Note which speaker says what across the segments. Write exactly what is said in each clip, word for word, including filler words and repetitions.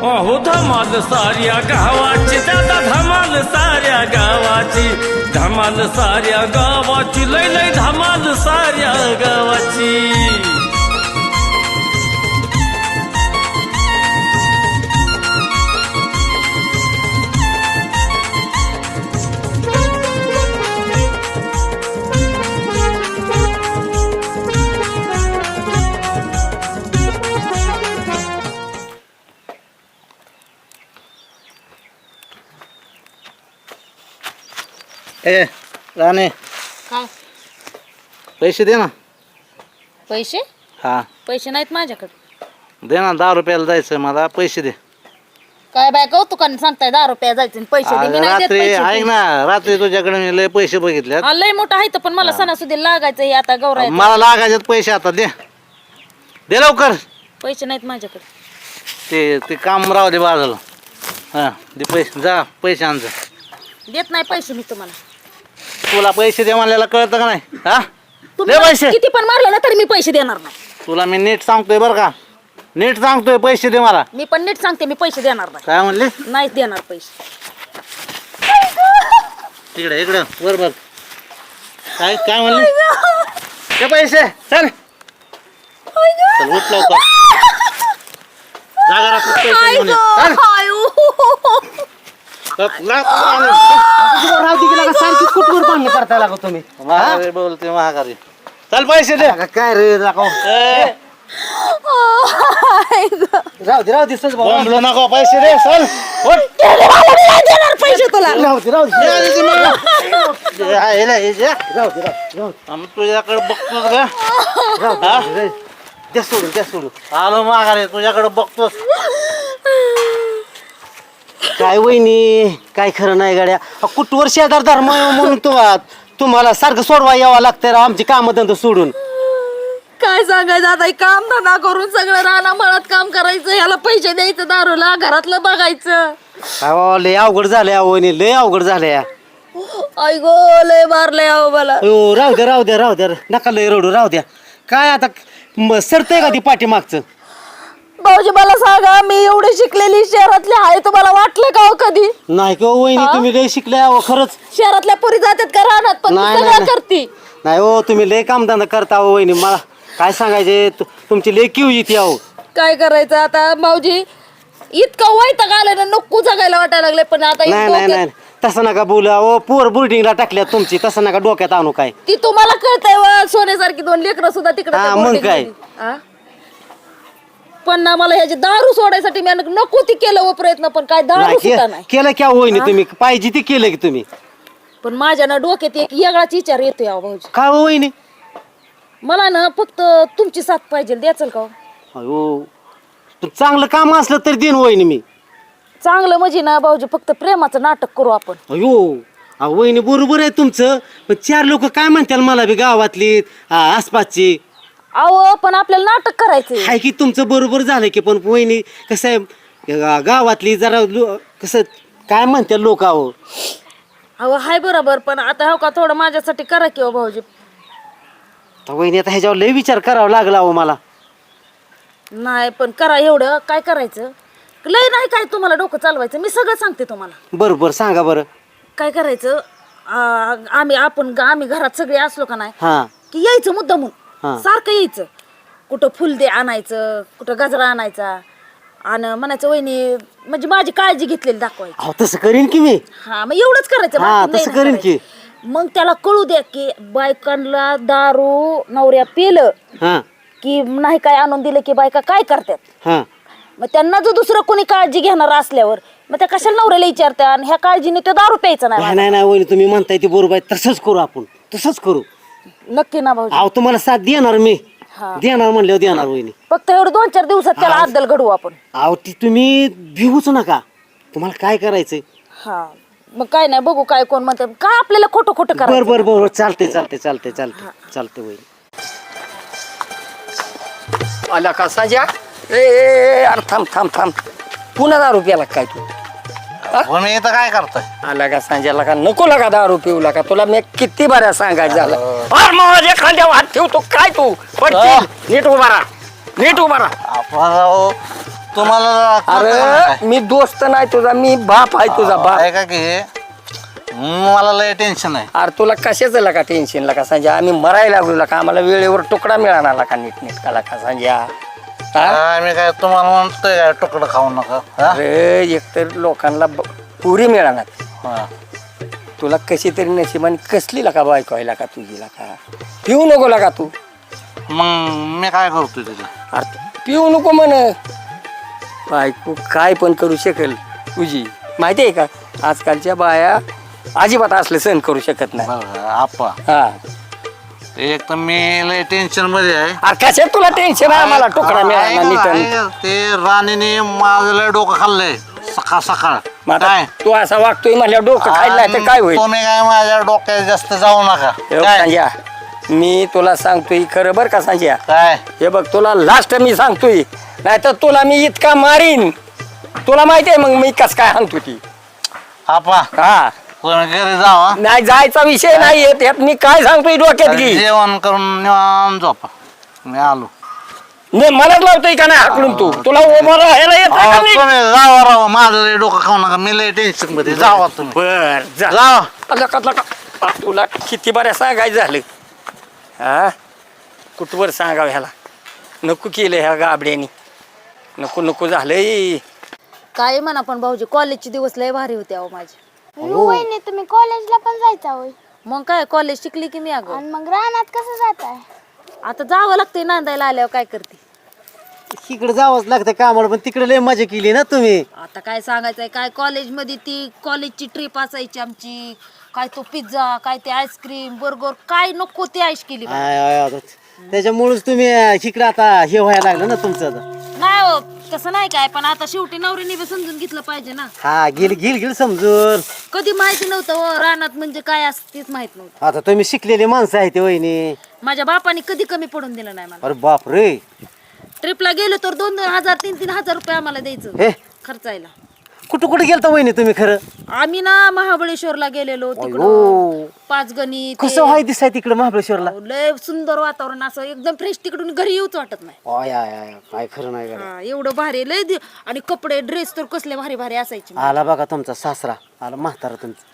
Speaker 1: अहो धमाल साऱ्या गावाची दादा धमाल साऱ्या गावाची धमाल साऱ्या गावाची लय लय धमाल साऱ्या गावाची
Speaker 2: ए राणे
Speaker 3: काय
Speaker 2: पैसे दे ना.
Speaker 3: पैसे
Speaker 2: हा
Speaker 3: पैसे नाहीत माझ्याकडे.
Speaker 2: दे ना, दहा रुपयाला जायचं मला, पैसे दे.
Speaker 3: काय बाय कौतुकाने सांगताय दहा रुपया जायचे आणि पैसे दे. मी नाही देत
Speaker 2: रात्री
Speaker 3: पैसे.
Speaker 2: ऐक ना, रात्री तुझ्याकडे मी लय पैसे बघितले.
Speaker 3: हा, लय मोठा आहे तर पण मला सणासुदी लागायचं हे आता गौराय.
Speaker 2: मला लागायचे पैसे, आता दे दे लवकर.
Speaker 3: पैसे नाहीत माझ्याकडे.
Speaker 2: ते ते काम राहू दे बाजूला. हा दे पैसे, जा पैसे आण जा.
Speaker 3: देत नाही पैसे मी तुम्हाला.
Speaker 2: तुला पैसे दे म्हणलेला कळतं का नाही? हा
Speaker 3: तुम्ही
Speaker 2: दे
Speaker 3: मला
Speaker 2: पैसे.
Speaker 3: किती पण मारले ना तरी मी पैसे देणार नाही.
Speaker 2: तुला मी नीट सांगतोय बरं का, नीट सांगतोय, पैसे दे मला.
Speaker 3: मी पण नीट सांगते मी पैसे देणार नाही.
Speaker 2: काय म्हणले?
Speaker 3: नाहीच देणार पैसे.
Speaker 2: इकडे इकडे वर बघ. काय काय म्हणले? ते पैसे चल चल उठ लवकर. जागा राख पैसे घेऊन ये. चल.
Speaker 4: सारखी कुठवर पाणी करता लागो तुम्ही.
Speaker 2: महागारी बोलते, महागारी. चल पैसे दे.
Speaker 4: काय रे राखो,
Speaker 2: ए,
Speaker 4: राहू दे राहू दे सज भाऊ.
Speaker 2: बोंबलू नको, पैसे दे. चल उठ.
Speaker 3: देणार पैसे तुला.
Speaker 4: राहू दे राहू दे
Speaker 2: दे आधी ते मला. दे, हा, हे ले, हे दे.
Speaker 4: राहू दे राहू दे
Speaker 2: आम्ही तुझ्याकडे बघतोस का?
Speaker 4: राहू दे द्या सोडून द्या सोडून.
Speaker 2: आलो माघारी, तुझ्याकडे बघतोस.
Speaker 4: काय वहिनी, काय खरं नाही गाड्या. कुठवर शेजार धर्म आहे म्हणून तो तुम्हाला सारखं सोडवा यावं लागतंय राव आमची कामं धंदा सोडून.
Speaker 3: काय सांगायचं आता, हे काम धंदा करून सगळं राहणं मळत काम करायचं, ह्याला पैसे द्यायचं, दारूला घरातलं बघायचं.
Speaker 4: काय बाबा, लय अवघड झालंय अहो वहिनी, लय अवघड झालंय.
Speaker 3: आई गो लय मारलंय अहो मला.
Speaker 4: हो राहू द्या राहू द्या राहू द्या, नका लय रडू, राहू द्या. काय आता म- सरतंय का ती पाठीमागचं?
Speaker 3: भाऊजी मला सांगा, मी एवढी शिकलेली शहरातली आहे, तुम्हाला वाटलं का हो कधी?
Speaker 4: नाही का वहिनी, तुम्ही लय शिकले अहो खरंच.
Speaker 3: शहरातल्या पोरी जातात का राहणार, पण
Speaker 4: नाही,
Speaker 3: सगळं
Speaker 4: नाही.
Speaker 3: करती.
Speaker 4: नाही हो, तुम्ही लय कामधंदा करता हो वहिनी. मला काय सांगायचे, तु- तुमची लय किव येते अहो.
Speaker 3: काय करायचं आता भाऊजी, इतकं वैताग आलं ना, नको जगायला वाटायला लागले. पण आता
Speaker 4: नाही नाही नाही तसं नका बोलू अहो, पोर बोर्डिंगला टाकल्या तुमची, तसं नका डोक्यात आणू. काय
Speaker 3: ती तुम्हाला कळतंय वा, सोन्यासारखी दोन लेकरं सुद्धा तिकडे
Speaker 4: हा, मग काय?
Speaker 3: पण ना मला ह्याची दारू सोडायसाठी मी नको ती केलं व प्रयत्न, पण काय दारू
Speaker 4: नाही,
Speaker 3: सुद्धा
Speaker 4: के-
Speaker 3: नाही.
Speaker 4: केलं क्या वहिनी तुम्ही, पाहिजे ते केलं की तुम्ही.
Speaker 3: पण माझ्या ना डोक्यात एक वेगळाच विचार येतोय अहो भाऊजी.
Speaker 4: काय हो वहिनी?
Speaker 3: मला ना फक्त तुमची साथ पाहिजे, द्याचल का हो?
Speaker 4: अहो तू चांगलं काम असलं तर देईन वहिनी मी.
Speaker 3: चांगलं म्हणजे ना भाऊजी, फक्त प्रेमाचं नाटक करू आपण.
Speaker 4: अयो अहो वहिनी बरोबर आहे तुमचं, पण चार लोक काय म्हणतील मला बी, गावातली आ, आसपासची.
Speaker 3: अहो पण आपल्याला नाटक करायचंय.
Speaker 4: हाय की तुमचं बरोबर झालं की, पण वहिनी कसं आहे, गा- गावातली जरा लो- कसं काय म्हणतील लोक. अहो
Speaker 3: अहो हाय बरोबर, पण आता हो का थोडं माझ्यासाठी करा की हो भाऊजी.
Speaker 4: तर वहिनी आता ह्याच्यावर लय विचार करावा लागला अहो मला.
Speaker 3: नाही पण करा, एवढं काय करायचं, लय नाही काय तुम्हाला डोकं चालवायचं, मी सगळं सांगते तुम्हाला.
Speaker 4: बरं बरं सांगा बरं.
Speaker 3: काय करायचं, आ, आम्ही आपण आम्ही घरात सगळे असलो का नाही,
Speaker 4: हां
Speaker 3: की यायचं मुद्दामून,
Speaker 4: हा.
Speaker 3: सारखं यायचं. कुठं फुल दे आणायचं, कुठं गजरा आणायचा, आणि म्हणायचं वहिनी म्हणजे माझी काळजी घेतलेली दाखवायची.
Speaker 4: अहो तसं करीन की मी.
Speaker 3: हा मग एवढंच करायचं,
Speaker 4: हा,
Speaker 3: बाकी नाही
Speaker 4: तसं
Speaker 3: ना
Speaker 4: करीन की.
Speaker 3: करायचं. मग त्याला कळू द्या की बायकांना दारू नवऱ्या पेलं
Speaker 4: हां
Speaker 3: की नाही काय आणून दिलं की बायका काय करतात.
Speaker 4: हां
Speaker 3: मग त्यांना जो दुसरं कोणी काळजी घेणार असल्यावर मग त्या कशाला नवऱ्याला विचारतात, आणि ह्या काळजीने तो दारू प्यायचा
Speaker 4: नाही
Speaker 3: नाही.
Speaker 4: नाही नाही वहिनी, तुम्ही म्हणताय ते बरोबर आहे, तसंच करू आपण, तसंच करू.
Speaker 3: नक्की ना भाऊजी.
Speaker 4: अहो तुम्हाला साथ देणार मी,
Speaker 3: हा.
Speaker 4: देणार म्हणल्यावर देणार वहिनी.
Speaker 3: फक्त एवढं दोन चार दिवसात त्याला अद्दल घडवू आपण.
Speaker 4: अहो ती तुम्ही भिवूच नका, तुम्हाला काय करायचंय.
Speaker 3: हा मग काय नाही, बघू काय कोण म्हणतात, काय आपल्याला खोटं खोटं
Speaker 4: बर
Speaker 3: करायचं.
Speaker 4: बर बर चालते चालते चालते चालते चालते वहिनी.
Speaker 5: आला का साजा? ए ए, अरे थांब थांब थांब, पुन्हा दहा रुपयाला काय तू?
Speaker 2: पण इथं काय करताय?
Speaker 5: आला का सांजाला का नको लागा दारू पिऊला का? तुला मी किती बऱ्या सांगायचं झालं. अरे माझ्या खांद्यावर हात ठेवतो काय तू? पडशील. नीट उभा राहा, नीट उभा राहा.
Speaker 2: आपण राव तुम्हाला कळतं का
Speaker 5: अरे
Speaker 2: काय?
Speaker 5: मी दोस्त नाही तुझा, मी बाप आहे तुझा बाप.
Speaker 2: ऐका की हे, मला लय टेन्शन आहे.
Speaker 5: अरे तुला कशाच का टेन्शन ला का संजय, आम्ही मरायला लागलो का, आम्हाला वेळेवर तुकडा मिळाला का नीट नीट का का संजय. हा?
Speaker 2: आम्ही काय तुम्हाला म्हणतोय काय तुकडं खाऊ नका हा?
Speaker 5: अरे एकतर लोकांना ब- पुरी मिळाणार,
Speaker 2: हा.
Speaker 5: तुला कशी तरी नशिबाने कसली का बायको आहे का तुझी का, पिऊ नको का तू.
Speaker 2: मग मी काय करतोय त्याचं?
Speaker 5: अरे पिऊ नको म्हण, बायको काय पण करू शकेल तुझी, माहिती आहे का. आजकालच्या बाया अजिबात असले सहन करू शकत नाही.
Speaker 2: बघा आप्पा,
Speaker 5: हा
Speaker 2: एक तर मी लय टेन्शन मध्ये आहे.
Speaker 5: अरे कशात तुला टेन्शन आहे, मला तुकडा मिळाला
Speaker 2: ऐका,
Speaker 5: नीट.
Speaker 2: ऐका, ते राणीने माझं लय डोकं खाल्लंय सकाळ सकाळ.
Speaker 5: मग आता
Speaker 2: काय
Speaker 5: तू असा वागतोय म्हणल्या डोकं खायला नाही तर काय होईल.
Speaker 2: तुम्ही काय माझ्या डोक्यात जास्त जाऊ नका.
Speaker 5: हे बघ
Speaker 2: काय
Speaker 5: संजया, मी तुला सांगतोय खरं बरं का संजया.
Speaker 2: काय
Speaker 5: हे बघ तुला लास्ट मी सांगतोय, नाही तर तुला मी इतका मारीन, तुला माहिती आहे मग मी कस काय सांगतो ती.
Speaker 2: आप्पा,
Speaker 5: हा
Speaker 2: तुम्ही घरी जावा,
Speaker 5: नाही जायचा विषय नाही येत, यात मी काय सांगतोय डोक्यात घे.
Speaker 2: जेवण करून निवांत झोपा. मी आलो.
Speaker 5: नाही मलाच लावतोय का नाही हाकलून तू, तुला उभं राहायला येत
Speaker 2: अहो, तुम्ही जावा राव, माझं लय डोकं खाऊ नका. मी लय टेन्शन मध्ये. जावा तुम्ही,
Speaker 5: बर जा.
Speaker 2: जावा.
Speaker 5: लका लका आ, तुला किती बऱ्या सांगायचं झालं. हा कुठवर सांगावं ह्याला, नको केलं ह्या गाबड्यानी, नको नको झालंय.
Speaker 3: काय म्हणा पण भाऊजी, कॉलेजचे दिवस लय भारी होते अहो माझे.
Speaker 6: वहिनी तुम्ही कॉलेजला पण जायचा होय,
Speaker 3: मग काय कॉलेज शिकली की मी अगं.
Speaker 6: आणि मग रानात कसं जाताय?
Speaker 3: आता जावं लागतंय नांदायला आल्यावर, काय करते.
Speaker 4: इकडे जावंच लागतं कामाला, पण तिकडे लय मजा केली ना तुम्ही.
Speaker 3: आता काय सांगायचंय, काय कॉलेजमध्ये ती कॉलेजची ट्रिप असायची आमची, काय तो पिझ्झा, काय ते आईस्क्रीम बर्गर, काय नको ते आईश केली बा.
Speaker 4: आय, आय, आय. त्याच्यामुळेच तुम्ही इकडे आता हे व्हायला लागलं ना तुमचं आता.
Speaker 3: नाही हो तसं नाही काय, पण आता शेवटी नवरीने बी समजून घेतलं पाहिजे ना.
Speaker 4: हा गेल गेल गेल समजून.
Speaker 3: कधी माहिती नव्हतं हो रानात म्हणजे काय असतं तेच माहित नव्हतं.
Speaker 4: आता तुम्ही शिकलेली माणसं आहे ते वहिनी.
Speaker 3: माझ्या बापाने कधी कमी पडून दिलं नाही मला.
Speaker 4: अरे बाप रे.
Speaker 3: ट्रिपला गेलो तर दोन दोन हजार तीन तीन हजार रुपये आम्हाला द्यायचं
Speaker 4: हे
Speaker 3: खर्चायला.
Speaker 4: कुठं कुठं गेलता वहिनी तुम्ही खरं?
Speaker 3: आम्ही ना महाबळेश्वरला गेलेलो तिकडं,
Speaker 4: अयो.
Speaker 3: पाच गणी ते.
Speaker 4: कसं व्हाय दिसाय तिकडे महाबळेश्वरला?
Speaker 3: लय सुंदर वातावरण, असं एकदम फ्रेश, तिकडून घरी येऊच वाटत नाही.
Speaker 4: आय, आय, आय, काय खरं नाही गड्या.
Speaker 3: हा, एवढं भारी लय दि- आणि कपडे ड्रेस तर कसले भारी भारी असायचे.
Speaker 4: आला बघा तुमचा सासरा, आला म्हातारा तुमचा.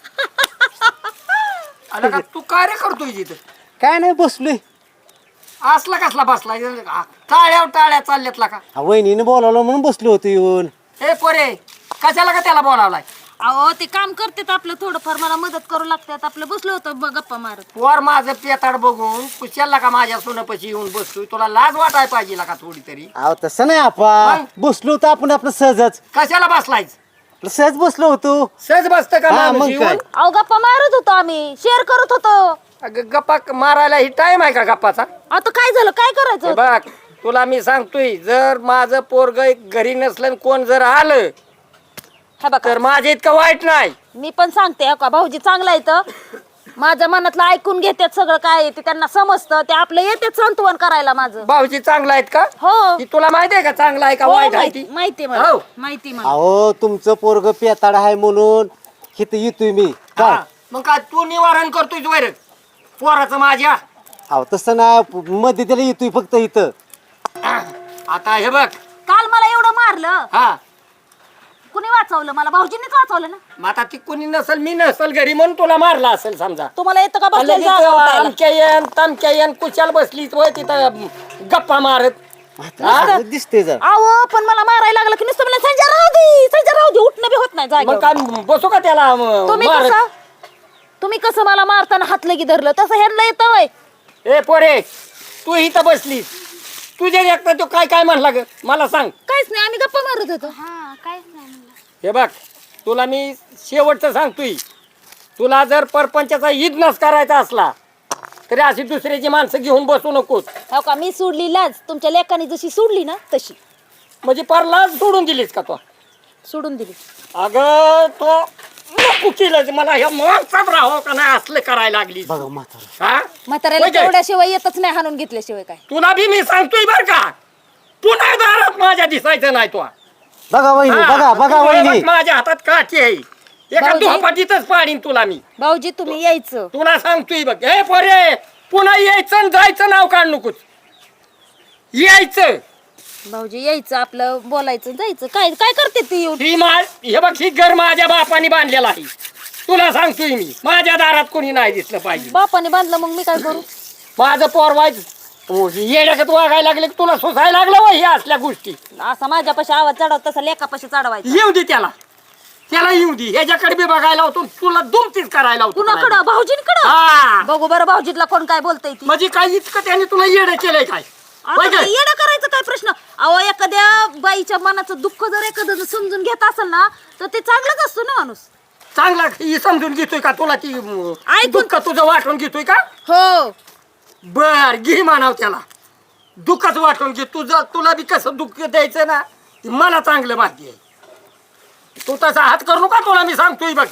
Speaker 5: आला का तू काय रे करतोय तिथं?
Speaker 4: काय नाही बसलोय.
Speaker 5: असला कसला बसला, टाळ्या टाळ्या चालल्यातला का.
Speaker 4: हा, वहिनीने बोलावलं म्हणून बसलो होतो येऊन.
Speaker 5: हे पोरे कशाला का त्याला बोलावलाय.
Speaker 3: अहो ते काम करतात आपलं थोडंफार, मला मदत करू लागतात. आपलं बसलो होतो ब- गप्पा मारत.
Speaker 5: वर माझं पेताड बघून कुशाला का माझ्या सोनपशी येऊन बसतोय, तुला लाज वाटाय पाहिजे का थोडी तरी.
Speaker 4: अहो तसं नाही आपण बसलो होतो आपण आपलं सहजच.
Speaker 5: कशाला बसलायच,
Speaker 4: आपलं सहज बसलो होतो.
Speaker 5: सहज बसत का
Speaker 4: हा,
Speaker 5: माणूस
Speaker 4: मग
Speaker 5: येऊन?
Speaker 4: काय.
Speaker 3: अहो गप्पा मारत होतो आम्ही, शेअर करत होतो.
Speaker 5: अगं गप्पा मारायला ही टाइम आहे का गप्पाचा.
Speaker 3: आता काय झालं, काय करायचं
Speaker 5: हे
Speaker 3: होतं?
Speaker 5: बघ तुला मी सांगतोय, जर माझं पोरग घरी नसलं आणि कोण जर आलं
Speaker 3: हे बघा
Speaker 5: तर माझ्या इतकं वाईट नाही.
Speaker 3: मी पण सांगते हो का, भाऊजी चांगला आहे तर माझ्या मनातलं ऐकून घेतात, सगळं काय आहे ते त्यांना समजतं, ते आपलं येतात सांत्वन करायला माझं.
Speaker 5: भाऊजी चांगला आहेत का?
Speaker 3: हो
Speaker 5: ती तुला माहिती आहे का चांगला आहे का
Speaker 3: हो,
Speaker 5: वाईट आहे
Speaker 3: माहिती
Speaker 5: ती?
Speaker 3: माहिती आहे मला,
Speaker 5: हो.
Speaker 3: माहिती आहे मला.
Speaker 4: अहो तुमचं पोरग पेताड आहे म्हणून इथं येतोय मी काय.
Speaker 5: हा, मग काय तू निवारण करतोय वैर पोराचं माझ्या.
Speaker 4: अहो तसं नाही, मध्ये त्याला येतोय फक्त इथं.
Speaker 5: आता हे बघ,
Speaker 3: काल मला एवढं मारलं,
Speaker 5: हा
Speaker 3: कुणी वाचवलं मला? भाऊजींनीच वाचवलं ना.
Speaker 5: मग आता ती कोणी नसल, मी नसल घरी म्हणून तुला मारला असेल समजा.
Speaker 3: तुम्हाला येतं का
Speaker 5: लगेच
Speaker 3: बसलं?
Speaker 5: आमच्या येन तमक्या येन कुशाल बसलीच होय तिथं गप्पा मारत.
Speaker 4: म्हातारा दिसते जर.
Speaker 3: अहो पण मला मारायला लागलं की नुसतं मला संजय राहू दे, संजय राहू दे, उठणं बी होत नाही
Speaker 5: मग
Speaker 3: जागेवर.
Speaker 5: काय बसू का त्याला म-
Speaker 3: तुम्ही
Speaker 5: मारत?
Speaker 3: कसं तुम्ही कसं मला मारताना हात लगी धरलं तसं ह्यांना येतं वय.
Speaker 5: ए पोरे तू इथं बसलीस, तुझ्या एकटा तो काय काय म्हणला ग मला सांग.
Speaker 3: काहीच नाही, आम्ही गप्पा मारत होतो.
Speaker 6: हा काहीच नाही म्हणलं.
Speaker 5: हे बघ तुला मी शेवटचं सांगतोय, तुला जर परपंचाचा इजनस करायचा असला तरी अशी दुसऱ्याची माणसं घेऊन बसू नकोस.
Speaker 3: हो का, मी सोडली लाज तुमच्या लेकाने जशी सोडली ना तशी
Speaker 5: म्हणजे परलाच सोडून दिलीस का तू?
Speaker 3: सोडून दिली.
Speaker 5: अगं तो नको केलं मला, ह्या माणसात राहावं का नाही असलं करायला लागली.
Speaker 4: बघा म्हातारा.
Speaker 5: हा
Speaker 3: म्हाताऱ्याला
Speaker 5: होय काय?
Speaker 3: तेवढ्याशिवाय येतच नाही, हाणून घेतल्याशिवाय काय.
Speaker 5: तुला बी मी सांगतोय बर का, पुन्हा दारात माझ्या दिसायचं नाही तो.
Speaker 4: बघा वहिनी,
Speaker 5: हा,
Speaker 4: बघा बघा
Speaker 5: तू
Speaker 4: वहिनी.
Speaker 5: बघ, माझ्या हातात काठी आहे, एका
Speaker 3: भाऊजी.
Speaker 5: दुहापाटीतच पाडीन तुला मी.
Speaker 3: भाऊजी तुम्ही यायचं.
Speaker 5: तुला सांगतोय बघ, हे पोरे पुन्हा यायचं आणि जायचं नाव काढ नकोच. यायचं
Speaker 3: भाऊजी यायचं आपलं बोलायचं जायचं काय काय करते ती येऊन
Speaker 5: ही मा हे बघ ही घर माझ्या बापाने बांधलेला आहे. तुला सांगतोय मी माझ्या दारात कोणी नाही दिसलं पाहिजे.
Speaker 3: बापाने बांधलं मग मी काय करू
Speaker 5: माझं पोर व्हायचं येड्याकत वागायला लागले की तुला सोसायला लागलं वय ह्या असल्या गोष्टी.
Speaker 3: असा माझ्यापाशी आवाज चढव तसा लेखापाशी चढवायचा
Speaker 5: येऊ दे त्याला त्याला येऊ दे ह्याच्याकडे बी बघायला होतो तुला दुमतीच करायला होतो.
Speaker 3: कुणाकडं भाऊजींकडं
Speaker 5: हा
Speaker 3: बघू बरं भाऊजीतला कोण काय बोलतय ती
Speaker 5: म्हणजे काय इतकं त्याने तुला येडं केलंय काय
Speaker 3: आता
Speaker 5: होय
Speaker 3: ते
Speaker 5: काय?
Speaker 3: येडं करायचं काय प्रश्न अहो एखाद्या बाईच्या मनाचं दुःख जर एखादं समजून घेत असेल ना तर ते चांगलंच असतो ना माणूस.
Speaker 5: चांगला ही समजून घेतोय का तुला ती अं,
Speaker 3: ऐकून-
Speaker 5: दुःख तुझं वाटून घेतोय का
Speaker 3: हो
Speaker 5: बर घे मानाव त्याला दुःखच वाटून घे तुझं तुला बी कसं दुःख द्यायचं ना ते मला चांगलं माहिती आहे. तू तसा हात करू नका तुला मी सांगतोय बघ.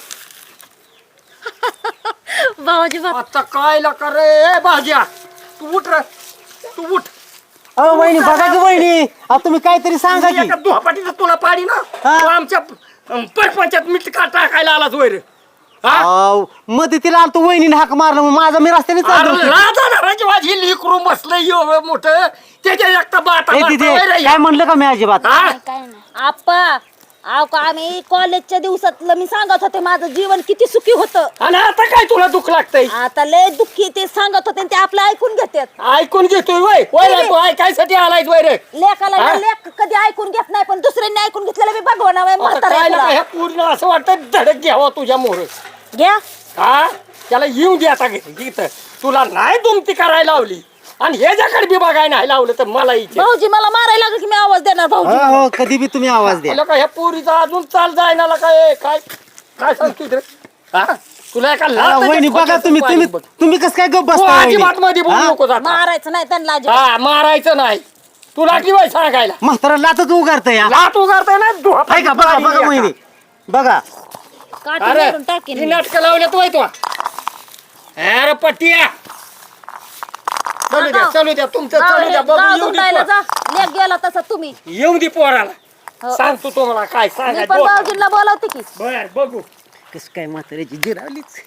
Speaker 3: भाऊजी बा-
Speaker 5: आता काय लका रे भाज्या तू उठ रे तू उठ.
Speaker 4: अहो वहिनी बघा की वहिनी अहो तुम्ही काहीतरी सांगा की
Speaker 5: एका दुहापाटीचं तुला पाडी ना
Speaker 4: हा.
Speaker 5: तू आमच्या अं, परपंचात मीठ का टाकायला आलाच वैर हा
Speaker 4: अहो मदतीला आलतो वहिनीने हाक मारलं मग माझा मी रस्त्याने चाललो
Speaker 5: अरे
Speaker 4: होतो.
Speaker 5: राजा धराची माझी लिकरून बसलंय एवढं मोठं त्याच्या एकटा बाता
Speaker 4: ए, तिथे
Speaker 5: बाता वैर
Speaker 4: काय म्हणलं का मी अजिबात
Speaker 5: हा
Speaker 6: काय नाही.
Speaker 3: आप्पा अहो का आम्ही कॉलेजच्या दिवसातलं मी सांगत होते माझं जीवन किती सुखी होतं
Speaker 5: आणि आता काय तुला दुःख लागतंय
Speaker 3: आता लय दुःखी ते सांगत होते आणि ते आपलं ऐकून घेतात
Speaker 5: ऐकून घेतोय वय वैर तू ऐकायसाठी आलाय वैर
Speaker 3: लेखाला
Speaker 5: हा?
Speaker 3: लेख कधी ऐकून घेत नाही पण दुसऱ्यांनी ऐकून घेतलेलं मी भगवान
Speaker 5: आता
Speaker 3: म्हातारा
Speaker 5: काय
Speaker 3: आहे
Speaker 5: ना
Speaker 3: तुला.
Speaker 5: ह्या पूर्ण असं वाटतं धडक घ्यावा तुझ्या मोर
Speaker 3: घ्या
Speaker 5: हा त्याला येऊ दे आता घे- इथं तुला नाही दुमती करायला लावली आणि ह्याच्याकडे बी बघायला नाही लावलं तर मला इथे
Speaker 3: भाऊजी मला मारायला लागलं की मी आवाज देणार भाऊजी
Speaker 4: हो हो कधी बी तुम्ही आवाज द्या
Speaker 5: आलं का ह्या पोरीचा अजून चाल जायना काय काय काय सांगतोय रे हा तुला एका
Speaker 4: अहो,
Speaker 5: लाथाच्या
Speaker 4: वहिनी बघा
Speaker 5: खोक्याचं
Speaker 4: तुम्ही
Speaker 5: पाणी
Speaker 4: तुम्ही
Speaker 5: बघ.
Speaker 4: तुम्ही कसं काय गप्प
Speaker 5: तू
Speaker 4: बसता
Speaker 5: अजिबात मध्ये बोलू
Speaker 4: हा?
Speaker 5: नको जाता.
Speaker 3: मारायचं नाही त्यांना अजिबात.
Speaker 5: हा मारायचं नाही तुला की वय सांगायला
Speaker 4: म्हातारा लातच उगारत या
Speaker 5: लात उगारताय ना दुहापाटी
Speaker 4: हाय का बघा
Speaker 5: पाणी
Speaker 4: बघा
Speaker 5: एका.
Speaker 4: वहिनी बघा
Speaker 3: काठी
Speaker 5: अरे
Speaker 3: मारून टाकीन
Speaker 5: ही
Speaker 3: मी.
Speaker 5: नाटकं लावल्यात वय तू अरे पट्टिया चालू द्या चालू द्या तुमचं
Speaker 3: गाव
Speaker 5: चालू द्या
Speaker 3: हे-
Speaker 5: बघू
Speaker 3: गाव
Speaker 5: येऊ दे
Speaker 3: धुंडायला
Speaker 5: पोर.
Speaker 3: जा लेख गेला तसा तुम्ही
Speaker 5: येऊ दे पोराला
Speaker 3: हो.
Speaker 5: सांगतो तुम्हाला काय
Speaker 3: मी
Speaker 5: सांगाय
Speaker 3: पण भाऊजींना बोलावते की
Speaker 5: बर बघू
Speaker 4: कस काय म्हाताऱ्याची जिरावलीच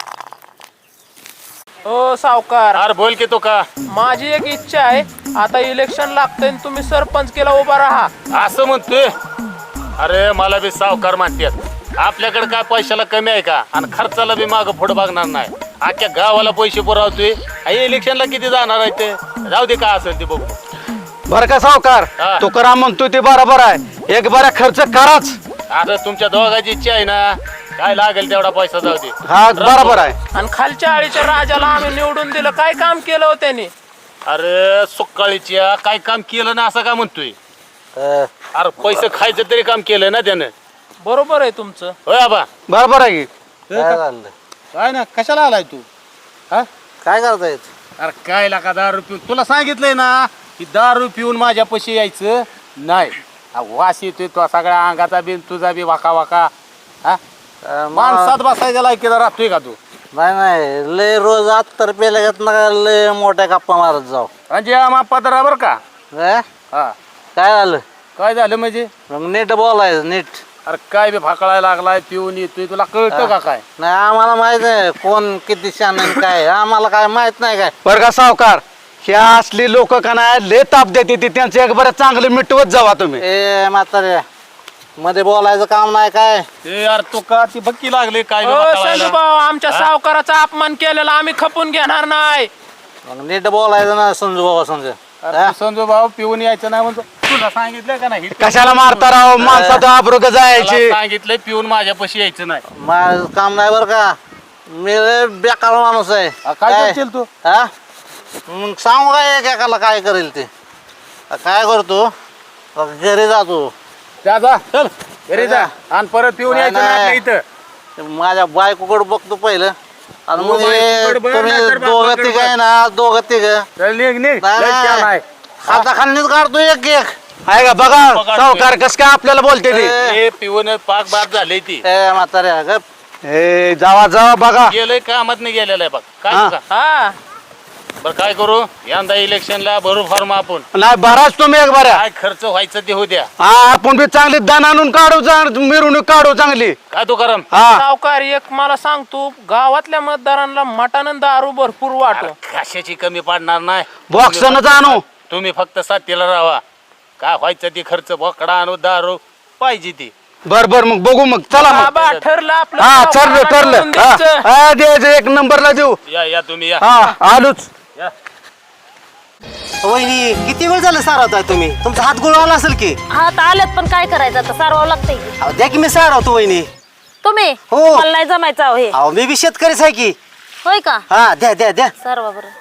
Speaker 7: ओ सावकार
Speaker 8: अरे बोल की तो का
Speaker 7: माझी एक इच्छा आहे आता इलेक्शन लागतंय आणि तुम्ही सरपंच केला उभा राहा
Speaker 8: असं म्हणतोय अरे मला बी सावकार म्हणतात आपल्याकडे काय पैशाला कमी आहे का आणि खर्चाला बी मागं पुढं बघणार नाही अख्ख्या गावाला पैसे पुरवतोय आई इलेक्शनला किती जाणार आहे ते जाऊ दे काय असेल ते बघू
Speaker 9: बर का सावकार
Speaker 8: हा.
Speaker 9: तुकाराम म्हणतोय ते बरोबर आहे एक बरा खर्च कराच
Speaker 8: आता तुमच्या दोघांची इच्छा आहे ना काय लागेल तेवढा पैसा जाऊ दे
Speaker 9: हा बरोबर आहे
Speaker 7: आणि खालच्या आळीच्या राजाला आम्ही निवडून दिलं काय काम केलं हो त्यांनी
Speaker 8: अरे सुकाळीच्या काय काम केलं ना असं का म्हणतोय अरे पैसे खायचं तरी काम केलं ना त्यानं
Speaker 7: बरोबर आहे तुमचं
Speaker 8: होय आबा
Speaker 9: बरोबर आहे की
Speaker 4: काय झालं
Speaker 2: काय ना कशाला आलाय तू हा
Speaker 4: काय करताय
Speaker 2: अरे काय लाका दारू पिऊन तुला सांगितलंय ना की दारू पिऊन माझ्या पशी यायचं नाही हा, वास येतोय तो सगळ्या अंगाचा बी तुझा बी वाका वाका हा माणसात बसायच्या लायकीचा राहतोय का तू
Speaker 4: नाही नाही लय रोज आत तर पेल्या घेत ना लय मोठ्या गप्पा मारत जाऊ
Speaker 2: म्हणजे आम्हा पदरा बर का
Speaker 4: काय
Speaker 2: हा
Speaker 4: झालं
Speaker 2: काय झालं म्हणजे
Speaker 4: मग नीट बोलायचं नीट
Speaker 2: अरे काय बी फाकळायला लागलाय पिऊन येतोय तुला कळतं का काय
Speaker 4: नाही आम्हाला माहित आहे कोण किती शान आहे काय आम्हाला काय माहित नाही काय
Speaker 9: बर का सावकार ह्या असली लोक का नाही लय ताप देते ते त्यांचं एक बरं चांगलं मिटवत जावा तुम्ही
Speaker 4: ए म्हातारे मध्ये बोलायचं काम नाही काय
Speaker 8: ते यार तो का ती बक्की लागले काय बी
Speaker 7: ओ
Speaker 8: वाटायला.
Speaker 7: संजू भाऊ आमच्या सावकाराचा अपमान केलेला आम्ही खपून घेणार नाही
Speaker 4: मग नीट बोलायचं ना समजू बाबा समजू
Speaker 2: अरे तू संजू भाऊ पिऊन यायचं नाही म्हणतो तुला सांगितलं का नाही
Speaker 9: कशाला मारता राव माणसाचं आबरोग जायची
Speaker 8: मला सांगितलंय पिऊन माझ्या पशी यायचं नाही
Speaker 4: माझं काम नाही बरं का मी लय बेकार माणूस आहे
Speaker 2: अ, काय करशील तू?
Speaker 4: हा मग सांगू काय एकेकाला काय करेल ते अ, काय करतो अ, घरी जातो
Speaker 2: जा जा चल घरी जा आणि परत पिऊन
Speaker 4: नाही,
Speaker 2: यायचं नाही
Speaker 4: नाही.
Speaker 2: आपल्या इथं
Speaker 4: माझ्या बायकोकडे बघतो पहिलं आणि
Speaker 2: हो,
Speaker 4: मग हे
Speaker 2: बायकोकडे बघ,
Speaker 4: तुम्ही
Speaker 2: नाहीतर
Speaker 4: दोघं
Speaker 2: बापाकडे
Speaker 4: तिघ
Speaker 2: बघ.
Speaker 4: आहे ना दोघं तिघ
Speaker 2: चल निघ निघ लय छान आहे.
Speaker 4: हाताखालीच काढतो एक एक
Speaker 9: आहे का बघा सावकार कस काय आपल्याला बोलते ते
Speaker 8: हे पिऊन पाक बाद झाले ती
Speaker 4: ए म्हाताऱ्या गप
Speaker 9: ए जावा जावा बघा
Speaker 8: गेलंय कामात नाही गेलेलं आहे बघ काय
Speaker 9: हा.
Speaker 8: तुका?
Speaker 7: हा
Speaker 8: बरं काय करू यंदा इलेक्शनला भरू फॉर्म आपण
Speaker 9: नाही बराच तुम्ही एक बऱ्या
Speaker 8: काय खर्च व्हायचं ते होऊ द्या
Speaker 9: हा आपण बी चांगली दान आणून काढू चांग- मिरवणूक काढू चांगली
Speaker 8: काय तो करम
Speaker 9: हा
Speaker 7: सावकार एक मला सांगतो गावातल्या मतदारांना मटण आणि दारू भरपूर वाटो
Speaker 8: कशाची कमी पडणार नाही
Speaker 9: बॉक्सनच आणू
Speaker 8: तुम्ही फक्त साथीला राहा काय व्हायचं ती खर्च बोकडा आणू दारू पाहिजे ती.
Speaker 9: बर बर मग बघू मग चला मग.
Speaker 7: बाबा ठरलं आपलं
Speaker 9: हा
Speaker 7: सावकाराला
Speaker 9: ठरलं ठरलं
Speaker 7: करून
Speaker 9: हा,
Speaker 7: द्यायचं.
Speaker 9: हा, द्यायचं एक नंबरला देऊ.
Speaker 8: या या तुम्ही या
Speaker 9: हा आलोच.
Speaker 8: या.
Speaker 4: वहिनी किती वेळ झालं सारवताय तुम्ही? तुमचा हात गोळवाला असेल की.
Speaker 3: हात आलेत पण काय करायचं आता सारवावं लागतंय की.
Speaker 4: अहो, द्या की मी सारवतो वहिनी.
Speaker 3: तुम्ही
Speaker 4: हो.
Speaker 3: मला नाही जमायचं अहो हे.
Speaker 4: अहो मी बी शेतकरीच आहे की.
Speaker 3: होय का
Speaker 4: हा द्या द्या द्या.
Speaker 3: सारवा बरं.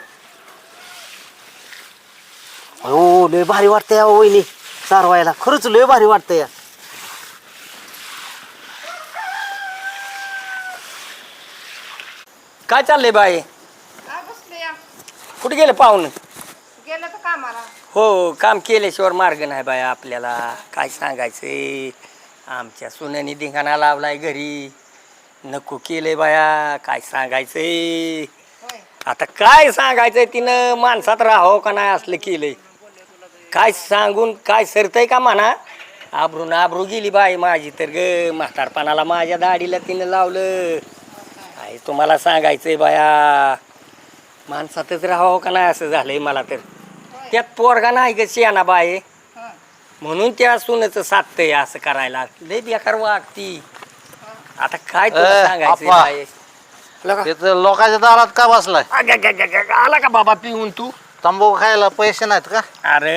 Speaker 4: हो लय भारी वाटतंय अहो वहिनी सारवायला. खरंच लय भारी वाटतंय.
Speaker 5: काय चाललंय बाई कुठे गेले पाहुणं?
Speaker 10: गेलं तर कामाला.
Speaker 5: हो काम केल्याशिवाय मार्ग नाही बाय आपल्याला. काय सांगायचंय आमच्या सुनेनी धिंगाणा लावलाय घरी. नको केलंय बाया. काय सांगायचंय आता काय सांगायचंय तिनं माणसात राहावं का नाही असलं केलंय. काय सांगून काय सरतंय का म्हणा. आबरून आबरू गेली बाई माझी तर ग. म्हातारपणाला माझ्या दाढीला तिनं लावलं. काय तुम्हाला सांगायचंय बाया माणसातच राहावं का नाही असं झालंय मला तर. त्यात पोरगा नाही ग शियाना बाय म्हणून त्या सुनेचं साधतंय असं करायला. लय बेकार वागती. आता काय तुला
Speaker 9: ए,
Speaker 5: सांगायचंय
Speaker 9: आप्पा.
Speaker 5: बाय. लगा.
Speaker 9: तिथं लोकांच्या दारात का बसलाय?
Speaker 5: अग, अग, अग, अग, आला का बाबा पिऊन तू?
Speaker 9: तंबाखू खायला पैसे नाहीत का?
Speaker 5: अरे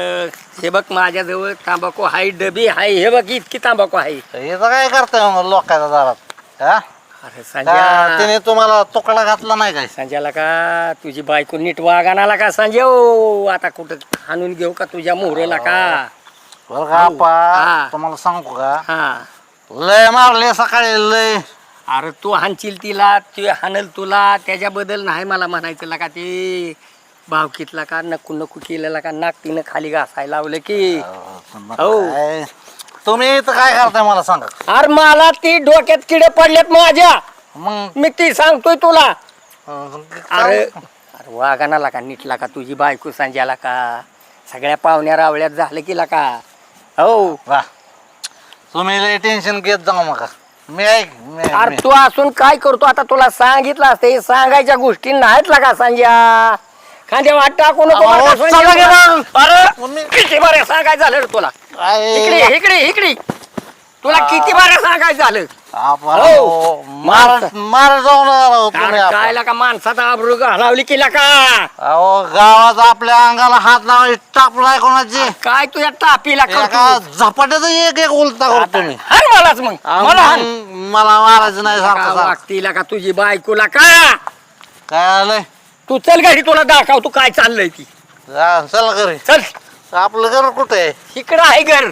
Speaker 5: हे बघ माझ्याजवळ तांबाखू हाय डबी हाय. हे बघ इतकी तांबाखू आहे.
Speaker 9: हे तर काय करताय मग लोकांच्या दारात हा?
Speaker 5: अरे
Speaker 9: का
Speaker 5: संजय
Speaker 9: तिने तुम्हाला तुकडा घातला नाही काय?
Speaker 5: संजयला का तुझी बायको नीट वागाणाला का संजय? ओ, आता कुठं हाणून घेऊ का तुझ्या मोहरेला का?
Speaker 9: बरं का
Speaker 5: हा.
Speaker 9: आप्पा तुम्हाला सांगू का
Speaker 5: हा
Speaker 9: लय मारले सकाळी लय.
Speaker 5: अरे तू हाणशील तिला ते हाणल तुला त्याच्याबद्दल नाही मला म्हणायचं का ते भावकीतला का नको नको केलेला का नाक तिनं खाली घासायला लावलं की. हो.
Speaker 9: काय? तुम्ही इथं काय करताय मला सांगा.
Speaker 5: अरे मला ती डोक्यात किडे पडलेत माझ्या.
Speaker 9: मग
Speaker 5: मी ती सांगतोय तुला.
Speaker 9: अं,
Speaker 5: अरे अरे वागाणाला का नीटला का तुझी बायको संजयला का सगळ्या पाहुण्या रावळ्यात झालं की का. हो
Speaker 9: वा तुम्ही लय टेन्शन घेत जाऊ नका. मी ऐक मी-
Speaker 5: अरे
Speaker 9: मी-
Speaker 5: तू असून काय करतो आता तुला सांगितलं असतं हे सांगायच्या गोष्टी नाहीत का संजय. खांद्या वाट टाकू नको
Speaker 9: अहो,
Speaker 5: बरं का
Speaker 9: चला
Speaker 5: संजय?
Speaker 9: की मग.
Speaker 5: अरे किती बरं सांगायचं झालं रे तुला.
Speaker 9: काय-
Speaker 5: इकडे इकडे इकडे तुला किती बरं सांगायचं झालं.
Speaker 9: आपण
Speaker 5: हो.
Speaker 9: मार मार जाऊ नका राव तुम्ही
Speaker 5: अरे
Speaker 9: आपण.
Speaker 5: काय का माणसाचा आबरू घालावली केला का.
Speaker 9: अहो गावात आपल्या अंगाला हात लावायला टापलाय कोणाची.
Speaker 5: काय तुझ्या टापीला
Speaker 9: एका
Speaker 5: करतो.
Speaker 9: झपाट्यात एक एक उलटा करतो तुम्ही.
Speaker 5: हाण मलाच मग मला हाण.
Speaker 9: मग मला मारायचं नाही सारखं सारखं.
Speaker 5: वागतीला का तुझी बायकोला का.
Speaker 9: काय आलंय
Speaker 5: तू चल घरी तुला दाखव तू काय चाललंय ती.
Speaker 9: जा, चला घरी.
Speaker 5: चल
Speaker 9: आपलं घर कुठे आहे?
Speaker 5: इकडं आहे घर.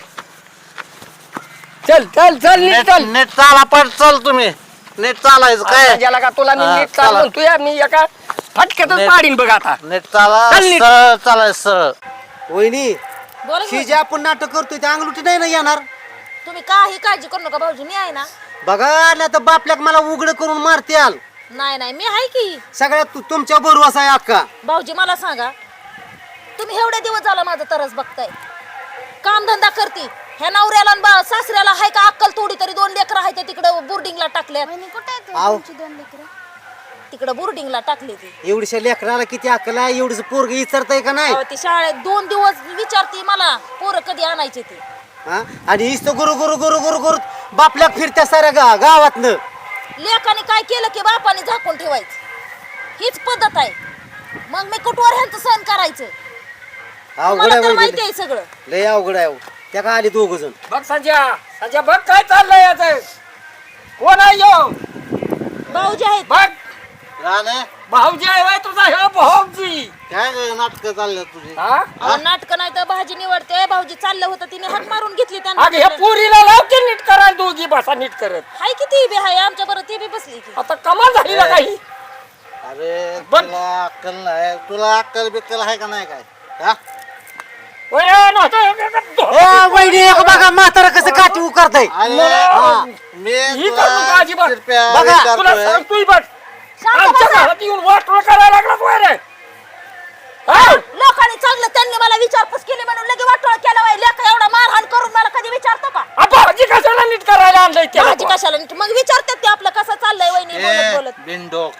Speaker 5: चल चल चल नीट
Speaker 9: नेट
Speaker 5: चल.
Speaker 9: नेट चाला पण चल तुम्ही. नेट चालायचं काय?
Speaker 5: ज्याला का तुला मी
Speaker 9: हा,
Speaker 5: नीट चाल
Speaker 9: चला.
Speaker 5: म्हणतोय मी एका फटक्यातच
Speaker 9: नेट-
Speaker 5: पाडीन बघ आता.
Speaker 9: नेट चाला
Speaker 5: चल नीट.
Speaker 9: सरळ चालायचं सरळ.
Speaker 4: वहिनी
Speaker 3: बोला
Speaker 4: ही
Speaker 3: की.
Speaker 4: जे आपण नाटक करतोय ते अंगलुटी नाही ना येणार.
Speaker 3: तुम्ही काही काळजी करू नका भाऊजी मी आहे ना.
Speaker 4: बघा नाही तर बापल्याक मला उघड करून मारत्याल.
Speaker 3: नाही नाही मी आहे की.
Speaker 4: सगळ्यात तु- तुमच्या बरोबर आहे अक्का.
Speaker 3: भाऊजी मला सांगा तुम्ही एवढे दिवस झाला माझं तरस बघताय. काम धंदा करती ह्या नवऱ्याला आणि बा- सासऱ्याला हाय का अक्कल थोडी तरी. दोन लेकरं आहेत तिकडे बोर्डिंगला टाकले.
Speaker 6: वहिनी कुठे आहेत
Speaker 4: आव.
Speaker 6: तुमची दोन लेकरं?
Speaker 3: तिकडे बोर्डिंगला टाकली ती.
Speaker 4: एवढीशा लेकराला किती अक्कल आहे? एवढीच पोरग विचारताय का नाही?
Speaker 3: अहो, ती शाळेत दोन दिवस विचारती मला पोरं कधी आणायचे ते.
Speaker 4: हा? आणि इथं गुरु गुरु गुरु गुरु गुरु बापल्याक फिरत्या साऱ्या गा गावातनं.
Speaker 3: लेकाने काय केलं की बापाने झाकून ठेवायचं हीच पद्धत आहे. मग मी कुठवर ह्यांचं सहन करायचं.
Speaker 4: अवघड
Speaker 3: मला
Speaker 4: आहे
Speaker 3: तर
Speaker 4: वहिनी.
Speaker 3: माहिती आहे सगळं.
Speaker 4: लय अवघड आहे अहो. त्या का आली दोघ जण.
Speaker 5: बघ संजय संजय बघ काय चाललंय याचं. कोण आहे यो?
Speaker 3: भाऊजी आहेत.
Speaker 5: बघ
Speaker 9: राणे,
Speaker 5: भाऊजी आहे होय तुझा ह्यो भाऊजी.
Speaker 9: काय नाटक चाललं तुझी?
Speaker 5: हा
Speaker 3: अहो, नाटकं नाही तर भाजी निवडते. भाऊजी चाललं होतं तिने हात मारून घेतली
Speaker 5: अगं ह्या
Speaker 3: त्यांना.
Speaker 5: पुरीला लावते नीट करायला दोघी बसा नीट करत.
Speaker 3: हाय की ती बी हाय आमच्या बरोबर ती बी बसली की.
Speaker 5: आता कमाल झाली ना काही.
Speaker 9: अरे
Speaker 5: बघ.
Speaker 9: तुला अक्कल नाही. तुला अक्कल बिक्कल आहे का नाही काय? हा?
Speaker 5: ओय, नव्हतं.
Speaker 4: ए वहिनी एक बघा म्हातारा कसं काठी उकारताय.
Speaker 9: अरे,
Speaker 5: हा.
Speaker 9: मी
Speaker 5: ही
Speaker 9: तुला
Speaker 5: करू नका अजिबात.
Speaker 9: कृपया
Speaker 4: बघा,
Speaker 5: तुला
Speaker 9: विचारतोय.
Speaker 5: सांगतोय बघ
Speaker 3: शांत
Speaker 5: आमच्या
Speaker 3: बसा.
Speaker 5: घरात येऊन वाटोळ करायला लागला तू रे. हा?
Speaker 3: लोकांनी चांगलं त्यांनी मला विचारपूस केली म्हणून लगे वाटोळ केला वाय. लेका एवढा मारहाण करून मला कधी विचारतो का.
Speaker 5: आ, भाऊजी कशाला नीट करायला आणलंय त्याला
Speaker 3: भाजी
Speaker 5: तू?
Speaker 3: कशाला नीट- मग विचारतात ते आपलं कसं चाललंय वहिनी बोलत
Speaker 9: ए,
Speaker 3: बोलत.
Speaker 9: बिनडोक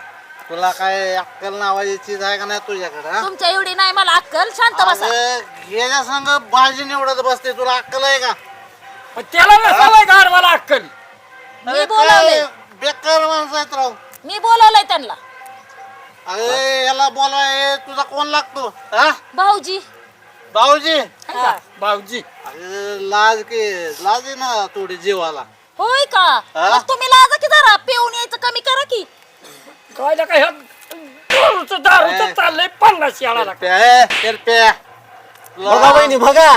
Speaker 9: तुला काय अक्कल नावाची चीज आहे का नाही तुझ्याकडे हा?
Speaker 3: तुमच्या एवढी नाही मला अक्कल, शांत बसा.
Speaker 9: अगं, याच्या संग बाजी निवडत बसते तुला अक्कल आहे का
Speaker 5: पण त्याला नसावं गाड मला अक्कल.
Speaker 3: मी
Speaker 9: अरे
Speaker 3: बोलावलंय
Speaker 9: काय बेकार माणसं आहेत राव.
Speaker 3: मी बोलावलंय त्यांना.
Speaker 9: अरे याला बोलवाय तुझा कोण लागतो हा
Speaker 3: भाऊजी
Speaker 9: भाऊजी
Speaker 3: हा.
Speaker 5: भाऊजी
Speaker 9: अरे लाज की लाज आहे ना थोडी जीवाला
Speaker 3: होय का?
Speaker 9: हा?
Speaker 3: मग तुम्ही लाजा की जरा पिऊन यायचं कमी करा की.
Speaker 5: काय काय दारूचं दारूचं चाललंय पन्नास याला
Speaker 4: बघा वहिनी बघा.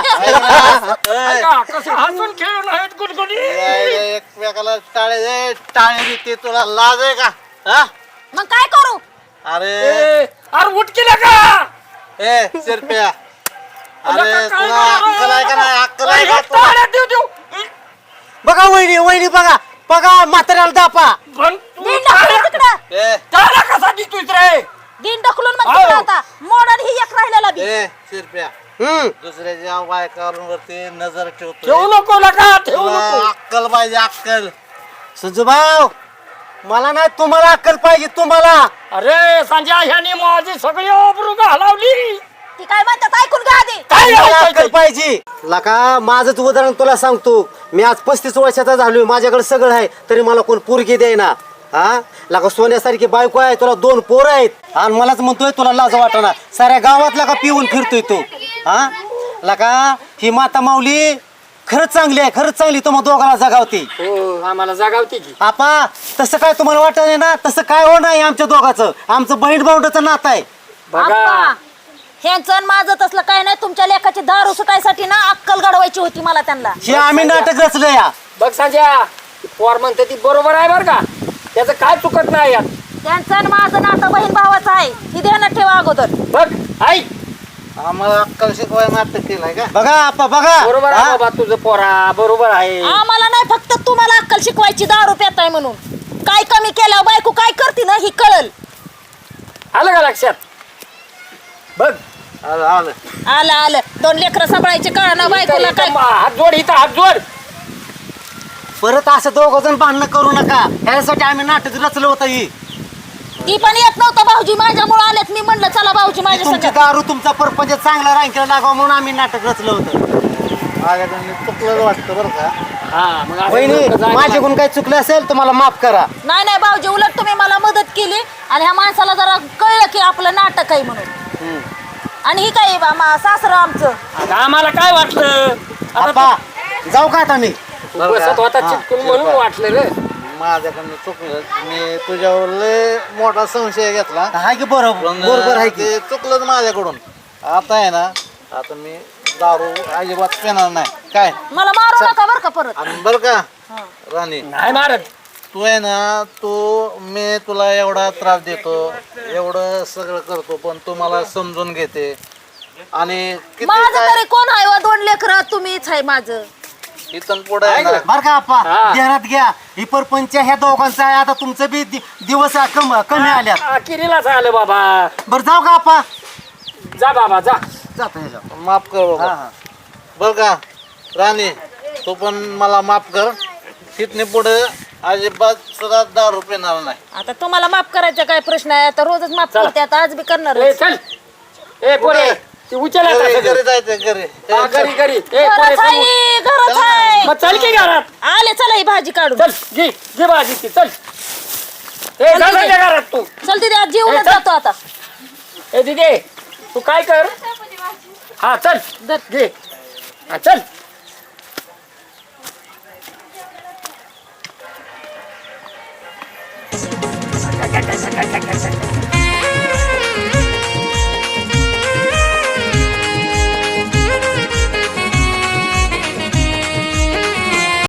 Speaker 5: कसं हसून खेळून आहेत गुलगुली.
Speaker 9: एकमेकाला टाळे टाळे देते तुला लाज आहे का हा
Speaker 3: मग काय करू?
Speaker 9: अरे
Speaker 5: ए, अरे उठ केला का
Speaker 9: ए शिरप्या अरे
Speaker 5: काय
Speaker 9: तुला अक्कल आहे का नाही अक्कल आहे का तुला?
Speaker 5: टाळ्या देऊ देऊ
Speaker 4: बघा वहिनी वहिनी बघा बघा म्हाताऱ्याला दापा.
Speaker 5: पण तू
Speaker 3: दिन ढकलून तिकडं.
Speaker 9: ए
Speaker 5: टाळ्या कसा देतोय रे
Speaker 3: दिन ढकलून मग
Speaker 5: आहो.
Speaker 3: तिकडं आता. मोडन ही एक राहिलेला बी.
Speaker 9: ए शिरप्या
Speaker 4: हम्म
Speaker 9: दुसऱ्याच्या बायकावरती नजर ठेवतो
Speaker 5: ठेवू नको नका ठेवू नको
Speaker 9: अक्कल पाहिजे अक्कल
Speaker 4: संजूभाऊ मला नाही तुम्हाला अक्कल पाहिजे तुम्हाला.
Speaker 5: अरे संजय ह्याने माझी सगळी ओबरू घालावली.
Speaker 3: ती काय म्हणतात ऐकून घ्या आधी.
Speaker 5: काय
Speaker 4: मला
Speaker 5: ऐकायचं?
Speaker 4: अक्कल पाहिजे. लका माझंच उदाहरण तुला सांगतो. मी आज पस्तीस वर्षाचा झालोय माझ्याकडे सगळं आहे तरी मला कोण पोरगी देईना. हा लका सोन्यासारखी बायको आहे तुला दोन पोरं आहेत आणि मलाच म्हणतोय तुला लाज वाटना. साऱ्या गावात लका पिऊन फिरतोय तू. हा लका ही माता माऊली खरंच चांगली आहे खरंच चांगली तुम्हा दोघांना जगावती.
Speaker 5: हो आम्हाला जागावती की
Speaker 4: आपा तसं काय तुम्हाला वाटत नाही ना तसं काय हो नाही आमच्या दोघांचं आमचं बहीण भावंडाचं नातं आहे.
Speaker 5: बघा
Speaker 3: आप्पा, ह्यांचं आणि माझं तसलं काय नाही. तुमच्या लेखाची दारू सुटायसाठी ना अक्कल घडवायची होती मला त्यांना.
Speaker 4: हे आम्ही नाटक रचलं या.
Speaker 5: बघ संजय पोर म्हणते ती बरोबर आहे बर का त्याचं काय चुकत नाही यात.
Speaker 3: त्यांचं आणि माझं नातं बहीण भावाचं आहे ही ध्यानात ठेवा अगोदर.
Speaker 5: बघ आई
Speaker 9: आम्हाला अक्कल शिकवाय नाटक केलंय का
Speaker 4: बघा आपा बघा
Speaker 5: बरोबर आहे
Speaker 4: हा?
Speaker 5: बाबा तुझं पोरा बरोबर आहे.
Speaker 3: आम्हाला नाही फक्त तुम्हाला अक्कल शिकवायची दारू पेताय म्हणून. काय कमी केल्यावर बायको काय करते ना ही कळल.
Speaker 5: आलं का लक्षात बघ
Speaker 9: आलं आलं
Speaker 3: आलं आलं दोन लेकरं सांभाळायचे कळा ना बायकोला काय.
Speaker 5: हात जोड इथं हात जोड.
Speaker 4: परत असं दोघ जण भांडणं करू नका ह्यासाठी आम्ही नाटक रचलं होतं ही.
Speaker 3: ती पण येत नव्हतं भाऊजी माझ्यामुळे आलेत. मी म्हणलं चला भाऊजी माझ्या
Speaker 4: तुमची
Speaker 3: संग.
Speaker 4: दारू तुमचा परपंच चांगला रांकीला लागावा म्हणून आम्ही नाटक रचलं होतं.
Speaker 9: माझ्याकडनं चुकलं वाटतं बरं का
Speaker 5: हा मग असं
Speaker 4: वहिनी
Speaker 5: नको जायला.
Speaker 4: माझ्याकडून काही चुकलं असेल तर मला माफ करा.
Speaker 3: नाही नाही भाऊजी उलट तुम्ही मला मदत केली आणि ह्या माणसाला जरा कळलं की आपलं नाटक आहे म्हणून. आणि ही काय सासरं आमचं.
Speaker 5: आता आम्हाला काय वाटलं आता
Speaker 4: आपा जाऊ का आता मी.
Speaker 5: तू बसत होता चिटकून म्हणून वाटलं रे.
Speaker 9: माझ्याकडनं चुकलं मी तुझ्यावर लय मोठा संशय घेतला
Speaker 4: हाय की बरोबर
Speaker 9: पण
Speaker 4: बरोबर आहे की.
Speaker 9: ते चुकलंच माझ्याकडून. आता आहे ना आता मी दारू अजिबात पिणार नाही काय
Speaker 3: मला मारू नका बरं का परत.
Speaker 9: आणि बरं का राणी
Speaker 5: नाही मारत
Speaker 9: तू आहे ना तू मी तुला एवढा त्रास देतो एवढं सगळं करतो पण तू मला समजून घेते आणि किती
Speaker 3: माझं
Speaker 9: काय
Speaker 3: तरी कोण आहे वा दोन लेकरं तुम्हीच आहे माझं.
Speaker 9: इथून पुढे आहे ना
Speaker 4: बर का आपा
Speaker 5: हा.
Speaker 4: ध्यानात घ्या ही परपंच ह्या दोघांचा आहे आता तुमचं बी दि- दिवस कम कमी आल्यात.
Speaker 5: अखेरीलाच आलं बाबा.
Speaker 4: बरं जाऊ का आपा.
Speaker 5: जा बाबा जा.
Speaker 4: जातो ह्याच्यावर.
Speaker 9: माफ कर बाबा
Speaker 4: हा हा
Speaker 9: बर का राणी तू पण मला माफ कर तिथने पुढे अजिबात सुद्धा दारू पिणार नाही.
Speaker 3: आता तुम्हाला माफ करायचा काय प्रश्न आहे. आता रोजच माफ
Speaker 5: चला.
Speaker 3: करते आता आज बी करणार.
Speaker 5: ए चल ए पोरे ती उचल आता
Speaker 9: घरी
Speaker 5: सगळं.
Speaker 9: घरी जायचं घरी
Speaker 5: हा, घरी घरी ए पोरे
Speaker 3: घरच
Speaker 5: समोर.
Speaker 3: आहे घरच आहे.
Speaker 5: मग चल की घरात.
Speaker 3: आले चला ही भाजी काढून.
Speaker 5: चल घे घे भाजी ती चल. ए
Speaker 3: चल
Speaker 5: जा
Speaker 3: तिथे.
Speaker 5: जा घरात तू.
Speaker 3: चल तिथे आज जेवणच
Speaker 5: चल.
Speaker 3: जातो आता.
Speaker 5: ए दिदे तू काय कर हा चल घे हा चल.